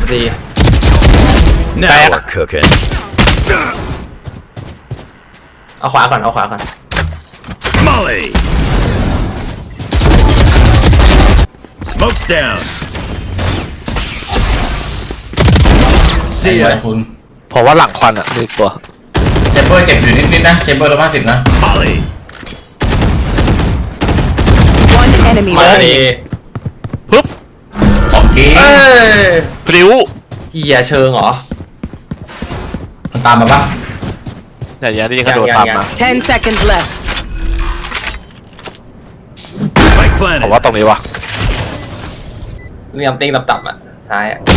ดี Now we're cooking. เอาขวาก่อนเอาขวาก่อน Molly. Smoke's down. เสี See ย ya. คุณผมว่าหลังควันอ่ะมีตัวเจมเบอร์เจ็บอยู่นิดๆนะเจมเบอร์150นะ Molly. One enemy มา remaining. ดีปึ๊บ 2 ทีเอ้ยพลิ้วเหี้ยเชิงเหรอมันตามมาปะอย่างนี้ยิงกระโดดตามมา 10 seconds left. Spike ผม planted. ว่าตรงนี้วะเรียมติ้งต่ำๆอ่ะซ้ายอ่ะ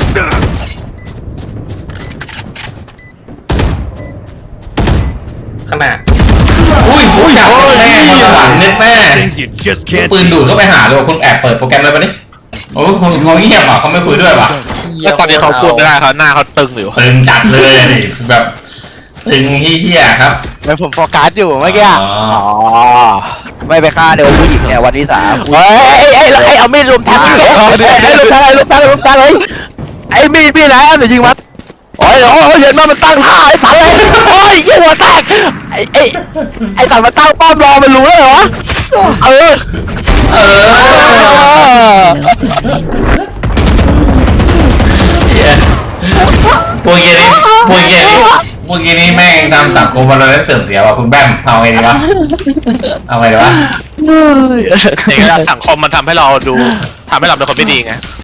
ข้างหน้าอุ้ยจับแม่มาสวรรค์เน็ตแม่ Things you just can't ปืนดูด do. เข้าไปหาเลยว่ะคุณแอบเปิดโปรแกรมเลยปะนี่โอ้คุณเขาเงียบอ่ะเขาไม่คุยด้วยว่ะแล้วตอนนี้เขาพูดไม่ได้เขาหน้าเขาตึงอยู่ตึงจัดเลยดิแบบตึงเฮี้ยๆครับไม่ผมโฟกัสอยู่เมื่อกี้อ๋ออ๋อไม่ไปฆ่าเดี๋ยวผู้หญิงเนี่ยวันที่3 เฮ้ยเอามีดลุมแทงไอ้ลุมแทงเลยไอ้มีดนะเดี๋ยวยิงมันโอ้ยเห็นมันตั้งท่าไอ้สันเลยโอ้ยยิงหัวแตกไอ้สันมันตั้งป้อมรอมันรู้เลยเหรอเออเหี้ยพวกเหี้ยนี่พวกเหี้ยนี่แม่งทำสังคมเราเล่นเสื่อมเสียว่ะคุณแบมเอาไงดีวะเอาไงดีวะอย่างนี้สังคมมันทำให้เราเป็นคนไม่ดีไง